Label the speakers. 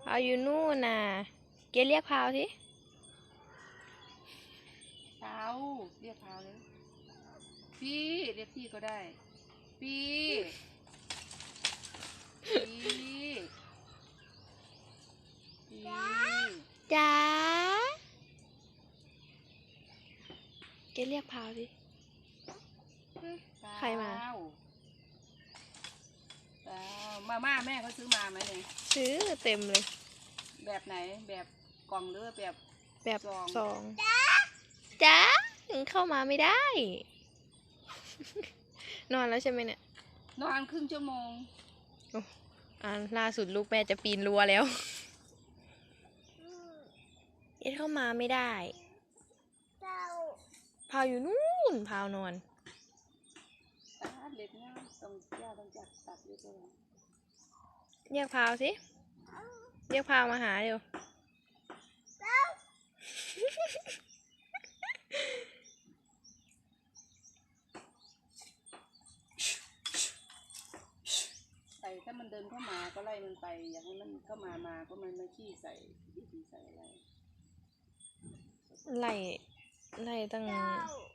Speaker 1: เอาอยู่นู่นน่ะเกเรียกพาวสิ
Speaker 2: เท้าเรียกเท้าเลยพี่เรียกพี่ก็ได้พี่พี่
Speaker 1: จ๋าเกเรียกพาวสิใครมา
Speaker 2: มาม่าแม่เขาซื้อมาไหมเนี่ย
Speaker 1: ซื้อเต็มเลย
Speaker 2: แบบไหนแบบกล่องหรือแบบ
Speaker 1: ซองจ๋าถึงเข้ามาไม่ได้ นอนแล้วใช่ไหมเนี่ย
Speaker 2: นอนครึ่งชั่วโมง
Speaker 1: ล่าสุดลูกแม่จะปีนรั้วแล้วเอ็ดเข้ามาไม่ได้พาวอยู่นู่นพาวนอน
Speaker 2: เล็กนะต้องย่าต้องจัดตัดเล็กเลย
Speaker 1: เรียกพาวสิเรียกพาวมาหาเร็ว
Speaker 2: ถ้ามันเดินเข้ามาก็ไล่มันไปอยากให้มันเข้ามาก็มันไม่ขี้ใส่ดีใส่อะไร
Speaker 1: ไล่ตั้ง